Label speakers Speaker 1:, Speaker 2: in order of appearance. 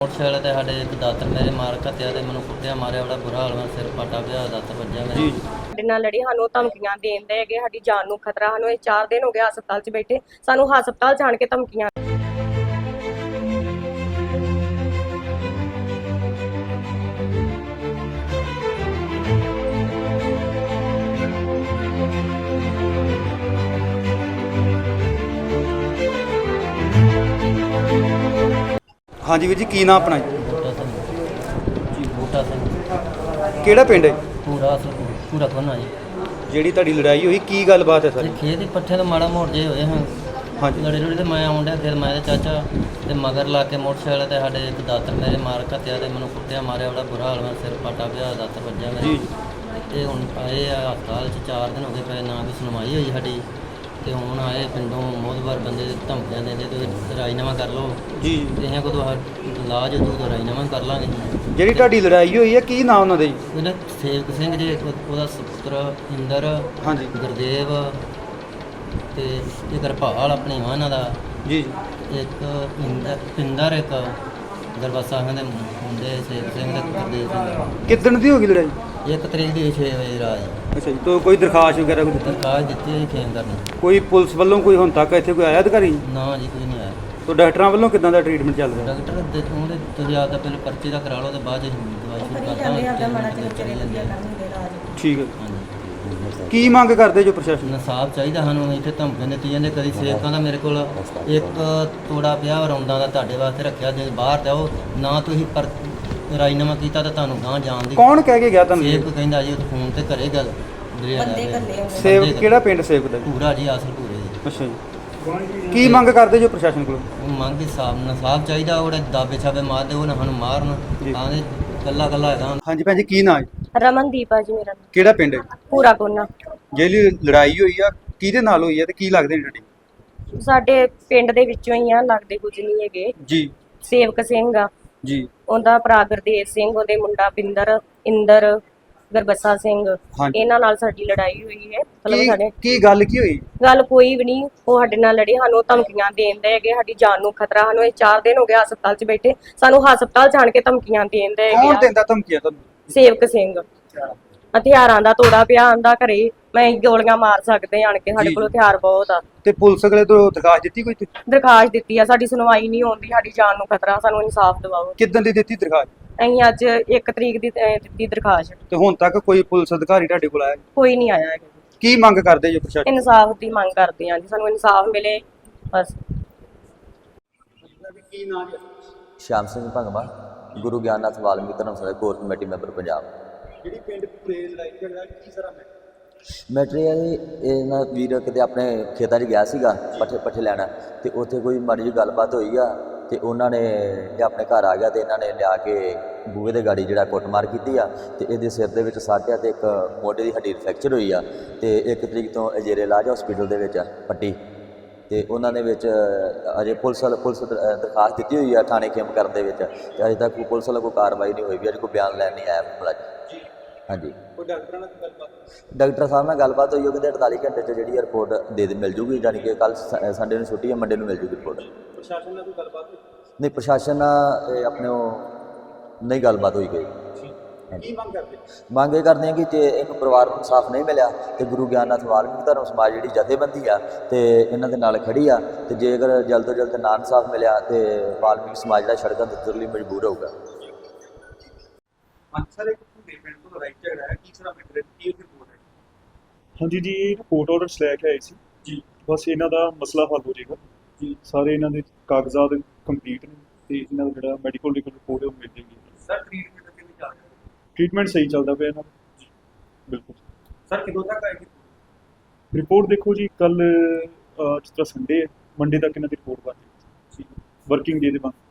Speaker 1: Motorcycle ਤੇ ਸਾਡੇ ਇੱਕ ਦਾਤਰ ਮੇਰੇ ਮਾਰ ਘੱਤਿਆ ਤੇ ਮੈਨੂੰ ਕੁੱਟਿਆ ਮਾਰਿਆ ਬੜਾ ਬੁਰਾ ਹਾਲ ਮੈਂ ਸਿਰ ਪਾਟਾ ਪਿਆ ਦਾਤਰ ਵੱਜਿਆ ਮੇਰੇ।
Speaker 2: ਸਾਡੇ ਨਾਲ ਲੜੀ ਸਾਨੂੰ ਧਮਕੀਆਂ ਦੇਂਦੇ ਹੈਗੇ ਸਾਡੀ ਜਾਨ ਨੂੰ ਖਤਰਾ ਸਾਨੂੰ ਇਹ 4 ਦਿਨ ਹੋ ਗਏ ਹਸਪਤਾਲ 'ਚ ਬੈਠੇ ਸਾਨੂੰ ਹਸਪਤਾਲ ਜਾਣ ਕੇ ਧਮਕੀਆਂ।
Speaker 3: हाँ जी वीर जी की नाम अपना जी?
Speaker 1: ਬੂਟਾ ਸਿੰਘ ਜੀ ਬੂਟਾ ਸਿੰਘ
Speaker 3: ਕਿਹੜਾ ਪਿੰਡ ਹੈ?
Speaker 1: ਪੂਰਾ ਕੋਨਾ ਜੀ।
Speaker 3: ਜਿਹੜੀ ਤੁਹਾਡੀ ਲੜਾਈ ਹੋਈ ਕੀ ਗੱਲਬਾਤ ਹੈ ਸਰ?
Speaker 1: ਇਹ ਖੇਤ ਦੇ ਪੱਠੇ ਤੋਂ ਮਾੜਾ ਮੋੜ ਜੇ ਹੋਏ ਹਾਂ
Speaker 3: ਹਾਂਜੀ
Speaker 1: ਲੜੇ ਲੜੇ ਤੇ ਮੈਂ ਆਉਂਦਾ ਫਿਰ ਮੈਂ ਤੇ ਚਾਚਾ ਤੇ ਮਗਰ ਲਾ ਕੇ ਮੋਟਰਸਾਈਕਲ ਤੇ ਸਾਡੇ ਇੱਕ ਦਾਤਰ ਮੇਰੇ ਮਾਰ ਘੱਤਿਆ ਤੇ ਮੈਨੂੰ ਕੁੱਟਿਆ ਮਾਰਿਆ ਬੜਾ ਬੁਰਾ ਹਾਲ ਮੈਂ ਸਿਰ ਪਾਟਾ ਪਿਆ ਦਾਤਰ ਵੱਜਿਆ ਮੇਰੇ।
Speaker 3: ਜੀ
Speaker 1: ਤੇ ਹੁਣ ਆਏ ਆ ਹਸਪਤਾਲ 'ਚ 4 ਦਿਨ ਹੋ ਗਏ ਪਏ ਨਾ ਕੋਈ ਸੁਣਵਾਈ ਹੋਈ ਸਾਡੀ ਤੇ ਹੁਣ ਆਏ ਪਿੰਡੋਂ ਮੋਦਵਾਰ ਬੰਦੇ ਧਮਕੀਆਂ ਦਿੰਦੇ ਤੇ ਰਾਜੀਨਾਮਾ ਕਰ ਲਓ
Speaker 3: ਜੀ
Speaker 1: ਤੇ ਇਹਨਾਂ ਕੋਲ ਇਲਾਜ ਤੋਂ ਰਾਜੀਨਾਮਾ ਕਰ ਲਾਂਗੇ।
Speaker 3: ਜਿਹੜੀ ਤੁਹਾਡੀ ਲੜਾਈ ਹੋਈ ਹੈ ਕੀ ਨਾਮ ਉਹਨਾਂ ਦਾ ਜੀ?
Speaker 1: ਉਹਦਾ ਸੇਵਕ ਸਿੰਘ ਜੀ ਉਹਦਾ ਸੁਪੁੱਤਰ ਇੰਦਰ
Speaker 3: ਹਾਂਜੀ
Speaker 1: ਗੁਰਦੇਵ ਤੇ ਇੱਕ ਰਪਾਲ ਆਪਣੀ ਉਹਨਾਂ ਦਾ
Speaker 3: ਜੀ
Speaker 1: ਇੱਕ ਇੰਦਰ ਇੱਕ ਗਰਬਸਾ ਦੇ ਮੁੰਡੇ ਸੇਵਕ ਸਿੰਘ ਤੇ ਗੁਰਦੇਵ ਸਿੰਘ।
Speaker 3: ਕਿੱਦਣ ਦੀ ਹੋ ਗਈ ਲੜਾਈ?
Speaker 1: 1 ਤਰੀਕ ਦੀ 6 ਵਜੇ ਰਾਤ
Speaker 3: ਅੱਛਾ ਜੀ ਤੋਂ ਕੋਈ ਦਰਖਾਸਤ ਵਗੈਰਾ ਕੋਈ ਦਿੱਤੀ?
Speaker 1: ਦਰਖਾਸਤ ਦਿੱਤੀ ਹੋਈ ਖੇਮ ਕਰਨੀ।
Speaker 3: ਕੋਈ ਪੁਲਿਸ ਵੱਲੋਂ ਕੋਈ ਹੁਣ ਤੱਕ ਇੱਥੇ ਕੋਈ ਆਇਆ ਅਧਿਕਾਰੀ?
Speaker 1: ਨਾ ਜੀ ਕੋਈ ਨਹੀਂ ਆਇਆ।
Speaker 3: ਤੋਂ ਡਾਕਟਰਾਂ ਵੱਲੋਂ ਕਿੱਦਾਂ ਦਾ ਟ੍ਰੀਟਮੈਂਟ ਚੱਲ ਰਿਹਾ?
Speaker 1: ਡਾਕਟਰ ਦੇ ਉਹਦੇ ਤੁਸੀਂ ਆਪਦਾ ਪਹਿਲੇ ਪਰਚੇ ਦਾ ਕਰਾ ਲਓ ਤੇ ਬਾਅਦ 'ਚ ਦਵਾਈ ਸ਼ੁਰੂ ਕਰ ਦਾਂਗੇ।
Speaker 3: ਠੀਕ ਹੈ
Speaker 1: ਹਾਂਜੀ
Speaker 3: ਕੀ ਮੰਗ ਕਰਦੇ ਜੋ ਪ੍ਰਸ਼ਾਸਨ?
Speaker 1: ਇਨਸਾਫ ਚਾਹੀਦਾ ਸਾਨੂੰ। ਇੱਥੇ ਧਮਕੀਆਂ ਦਿੱਤੀਆਂ ਜਾਂਦੇ ਕਦੀ ਸੇਵਕਾਂ ਦਾ ਮੇਰੇ ਕੋਲ ਇੱਕ ਤੋੜਾ ਪਿਆ ਰੌਂਦਾਂ ਦਾ ਤੁਹਾਡੇ ਵਾਸਤੇ ਰੱਖਿਆ ਜੇ ਬਾਹਰ ਜਾਓ ਨਾ ਤੁਸੀਂ ਪਰ ਰਾਜੀਨਾਮਾ ਕੀਤਾ ਤਾਂ ਤੁਹਾਨੂੰ ਗਾਂ ਜਾਣ ਦੀ।
Speaker 3: ਕੌਣ ਕਹਿ ਕੇ ਗਿਆ ਤੁਹਾਨੂੰ?
Speaker 1: ਸੇਵਕ ਕਹਿੰਦਾ ਜੀ ਉਹ ਫੋਨ ਤੇ ਘਰੇ ਗੱਲ
Speaker 3: ਸੇਵਕ ਕਿਹੜਾ ਪਿੰਡ ਸੇਵਕ ਦਾ ਜੀ?
Speaker 1: ਪੂਰਾ ਜੀ ਆਸਲ ਪੂਰੇ ਜੀ।
Speaker 3: ਅੱਛਾ ਜੀ ਕੀ ਮੰਗ ਕਰਦੇ ਜੋ ਪ੍ਰਸ਼ਾਸਨ ਕੋਲੋਂ?
Speaker 1: ਉਹ ਮੰਗ ਇਨਸਾਫ ਚਾਹੀਦਾ। ਉਹਦੇ ਦਾਬੇ ਛਾਬੇ ਮਾਰਦੇ ਉਹ ਨਾ ਸਾਨੂੰ ਮਾਰਨ
Speaker 3: ਜੀ।
Speaker 1: ਆਂਦੇ ਕੱਲਾ ਕੱਲਾ ਹੈਗਾ।
Speaker 3: ਹਾਂਜੀ ਭੈਣ ਜੀ ਕੀ ਨਾਮ ਹੈ?
Speaker 2: ਰਮਨਦੀਪ ਆ ਜੀ ਮੇਰਾ ਨਾਮ।
Speaker 3: ਕਿਹੜਾ ਪਿੰਡ ਹੈ?
Speaker 2: ਪੂਰਾ ਕੋਨਾ।
Speaker 3: ਜਿਹੜੀ ਲੜਾਈ ਹੋਈ ਆ ਕਿਹਦੇ ਨਾਲ ਹੋਈ ਹੈ ਤੇ ਕੀ ਲੱਗਦੇ ਨੇ ਤੁਹਾਡੇ?
Speaker 2: ਸਾਡੇ ਪਿੰਡ ਦੇ ਵਿੱਚੋਂ ਹੀ ਆ ਲੱਗਦੇ ਕੁਝ ਨਹੀਂ ਹੈਗੇ।
Speaker 3: ਜੀ
Speaker 2: ਸੇਵਕ ਸਿੰਘ ਆ
Speaker 3: ਜੀ
Speaker 2: ਉਹਦਾ ਭਰਾ ਗੁਰਦੇਵ ਸਿੰਘ ਉਹਦੇ ਮੁੰਡਾ ਬਿੰਦਰ ਇੰਦਰ ਗਰਬਸਾ ਸਿੰਘ
Speaker 3: ਹਾਂਜੀ।
Speaker 2: ਇਹਨਾਂ ਨਾਲ ਸਾਡੀ ਲੜਾਈ ਹੋਈ ਹੈ। ਮਤਲਬ ਸਾਡੇ
Speaker 3: ਕੀ ਗੱਲ ਕੀ ਹੋਈ?
Speaker 2: ਗੱਲ ਕੋਈ ਵੀ ਨਹੀਂ। ਉਹ ਸਾਡੇ ਨਾਲ ਲੜੇ ਸਾਨੂੰ ਧਮਕੀਆਂ ਦੇਂਦੇ ਹੈਗੇ ਸਾਡੀ ਜਾਨ ਨੂੰ ਖਤਰਾ ਸਾਨੂੰ ਇਹ 4 ਦਿਨ ਹੋ ਗਏ ਹਸਪਤਾਲ 'ਚ ਬੈਠੇ ਸਾਨੂੰ ਹਸਪਤਾਲ ਜਾਣ ਕੇ ਧਮਕੀਆਂ ਦੇਂਦੇ
Speaker 3: ਕੌਣ
Speaker 2: ਹੈਗੇ।
Speaker 3: ਦਿੰਦਾ ਧਮਕੀਆਂ ਤੁਹਾਨੂੰ?
Speaker 2: ਸੇਵਕ ਸਿੰਘ ਹਥਿਆਰਾਂ ਦਾ ਤੋੜਾ ਪਿਆ ਆਂਦਾ ਘਰੇ ਮੈਂ ਗੋਲੀਆਂ ਮਾਰ ਸਕਦੇ ਆਣ ਕੇ ਸਾਡੇ ਕੋਲ ਹਥਿਆਰ ਬਹੁਤ ਆ।
Speaker 3: ਤੇ ਪੁਲਿਸ ਅਗਲੇ ਤੋਂ ਦਰਖਾਸਤ ਦਿੱਤੀ ਕੋਈ?
Speaker 2: ਦਰਖਾਸਤ ਦਿੱਤੀ ਆ ਸਾਡੀ ਸੁਣਵਾਈ ਨਹੀਂ ਹੁੰਦੀ ਸਾਡੀ ਜਾਨ ਨੂੰ ਖਤਰਾ ਸਾਨੂੰ ਇਨਸਾਫ ਦਿਵਾਓ।
Speaker 3: ਕਿੱਦਣ ਦੀ ਦਿੱਤੀ ਦਰਖਾਸਤ?
Speaker 2: ਅਸੀਂ ਅੱਜ 1 ਤਰੀਕ ਦੀ ਦਿੱਤੀ ਦਰਖਾਸਤ।
Speaker 3: ਤੇ ਹੁਣ ਤੱਕ ਕੋਈ ਪੁਲਿਸ ਅਧਿਕਾਰੀ ਤੁਹਾਡੇ ਕੋਲ ਆਇਆ?
Speaker 2: ਕੋਈ ਨਹੀਂ ਆਇਆ ਹੈਗਾ।
Speaker 3: ਕੀ ਮੰਗ ਕਰਦੇ ਜੋ ਪ੍ਰਸ਼ਾਸਨ?
Speaker 2: ਇਨਸਾਫ ਦੀ ਮੰਗ ਕਰਦੇ ਹਾਂ ਜੀ ਸਾਨੂੰ ਇਨਸਾਫ ਮਿਲੇ ਬਸ।
Speaker 3: ਕੀ ਨਾਮ ਹੈ?
Speaker 4: Sham Singh Bhangwa Guru Gyannath Valmik Dharamshala core committee member Punjab.
Speaker 3: ਜਿਹੜੀ ਪਿੰਡ ਪੂਰੇ ਲੜਾਈ ਝਗੜਾ ਕੀ ਸਾਰਾ
Speaker 4: ਮੈਟਰੀਅਲ ਇਹ ਨਾ ਵੀਰ ਕਿਤੇ ਆਪਣੇ ਖੇਤਾਂ 'ਚ ਗਿਆ ਸੀਗਾ ਪੱਠੇ ਲੈਣਾ ਤੇ ਉੱਥੇ ਕੋਈ ਮਾੜੀ ਜਿਹੀ ਗੱਲਬਾਤ ਹੋਈ ਆ ਤੇ ਉਹਨਾਂ ਨੇ ਇਹ ਆਪਣੇ ਘਰ ਆ ਗਿਆ ਤੇ ਇਹਨਾਂ ਨੇ ਲਿਆ ਕੇ ਬੂਹੇ ਦੇ ਗਾੜੀ ਜਿਹੜਾ ਕੁੱਟਮਾਰ ਕੀਤੀ ਆ ਤੇ ਇਹਦੇ ਸਿਰ ਦੇ ਵਿੱਚ ਸੱਟ ਆ ਤੇ ਇੱਕ ਮੋਢੇ ਦੀ ਹੱਡੀ ਫ੍ਰੈਕਚਰ ਹੋਈ ਆ ਤੇ 1 ਤਰੀਕ ਤੋਂ ਅਜੇਰੇ ਇਲਾਜ ਹਸਪੀਟਲ ਦੇ ਵਿੱਚ ਪੱਟੀ ਤੇ ਉਹਨਾਂ ਦੇ ਵਿੱਚ ਅਜੇ ਪੁਲਿਸ ਦਰਖਾਸਤ ਦਿੱਤੀ ਹੋਈ ਆ ਥਾਣੇ ਖੇਮ ਕਰਨ ਦੇ ਵਿੱਚ ਤੇ ਅਜੇ ਤੱਕ ਪੁਲਿਸ ਵੱਲੋਂ ਕੋਈ ਕਾਰਵਾਈ ਨਹੀਂ ਹੋਈ ਵੀ ਅਜੇ ਕੋਈ ਬਿਆਨ ਲੈਣ ਨਹੀਂ ਆਇਆ ਮੁਲਾਜ਼ਮ। ਹਾਂਜੀ
Speaker 3: ਕੋਈ ਡਾਕਟਰਾਂ ਨਾਲ ਗੱਲਬਾਤ?
Speaker 4: ਡਾਕਟਰ ਸਾਹਿਬ ਨਾਲ ਗੱਲਬਾਤ ਹੋਈ ਉਹ ਕਹਿੰਦੇ 48 ਘੰਟੇ 'ਚ ਜਿਹੜੀ ਰਿਪੋਰਟ ਮਿਲ ਜੂਗੀ ਜਾਣੀ ਕਿ ਕੱਲ ਸੰਡੇ ਨੂੰ ਛੁੱਟੀ ਹੈ ਮੰਡੇ ਨੂੰ ਮਿਲ ਜੂਗੀ ਰਿਪੋਰਟ।
Speaker 3: ਪ੍ਰਸ਼ਾਸਨ ਨਾਲ ਕੋਈ ਗੱਲਬਾਤ ਹੋਈ?
Speaker 4: ਨਹੀਂ ਪ੍ਰਸ਼ਾਸਨ ਨਾਲ ਇਹ ਆਪਣੇ ਉਹ ਨਹੀਂ ਗੱਲਬਾਤ ਹੋਈ ਗਈ।
Speaker 3: ਕੀ ਮੰਗ ਕਰਦੇ?
Speaker 4: ਮੰਗ ਇਹ ਕਰਦੇ ਹਾਂ ਕਿ ਜੇ ਇੱਕ ਪਰਿਵਾਰ ਨੂੰ ਇਨਸਾਫ ਨਹੀਂ ਮਿਲਿਆ ਤੇ ਗੁਰੂ ਗਿਆਨਨਾਥ ਵਾਲਮੀਕ ਧਰਮ ਸਮਾਜ ਜਿਹੜੀ ਜਥੇਬੰਦੀ ਆ ਤੇ ਇਹਨਾਂ ਦੇ ਨਾਲ ਖੜੀ ਆ ਤੇ ਜੇਕਰ ਜਲਦ ਤੋਂ ਜਲਦ ਨਾ ਇਨਸਾਫ ਮਿਲਿਆ ਤੇ ਵਾਲਮੀਕ ਸਮਾਜ ਜਿਹੜਾ ਸੜਕਾਂ ਤੇ ਉਤਰਨ ਲਈ ਮਜਬੂਰ ਹੋਊਗਾ।
Speaker 3: ਸਰ ਇੱਕ ਪੂਰੇ ਪਿੰਡ ਤੋਂ ਲੜਾਈ ਝਗੜਾ ਹੈ ਕੀ ਸਾਰਾ ਮੈਟਰ ਕੀ ਰਿਪੋਰਟ ਹੈ?
Speaker 5: ਹਾਂਜੀ ਜੀ ਕੋਰਟ ਆਰਡਰ ਲੈ ਕੇ ਆਏ ਸੀ
Speaker 3: ਜੀ
Speaker 5: ਬਸ ਇਹਨਾਂ ਦਾ ਮਸਲਾ ਹੱਲ ਹੋ ਜਾਏਗਾ ਜੀ। ਸਾਰੇ ਇਹਨਾਂ ਦੇ ਕਾਗਜ਼ਾਤ ਕੰਪਲੀਟ ਨੇ ਤੇ ਇਹਨਾਂ ਦਾ ਜਿਹੜਾ ਮੈਡੀਕਲ ਰਿਪੋਰਟ ਹੈ ਉਹ ਮਿਲ ਜਾਏਗੀ।
Speaker 3: ਸਰ ਟ੍ਰੀਟਮੈਂਟ ਕਿਵੇਂ ਚੱਲ ਰਿਹਾ?
Speaker 5: ਟ੍ਰੀਟਮੈਂਟ ਸਹੀ ਚੱਲਦਾ ਪਿਆ ਇਹਨਾਂ ਦਾ ਬਿਲਕੁਲ।
Speaker 3: ਸਰ ਕਿਦੋਂ ਤੱਕ ਆਏਗੀ
Speaker 5: ਰਿਪੋਰਟ? ਦੇਖੋ ਜੀ ਕੱਲ ਜਿਸ ਤਰ੍ਹਾਂ ਸੰਡੇ ਹੈ ਮੰਡੇ ਤੱਕ ਇਹਨਾਂ ਦੀ ਰਿਪੋਰਟ ਬਣ ਜਾਏਗੀ ਵਰਕਿੰਗ ਡੇ ਦੇ ਬਾਅਦ।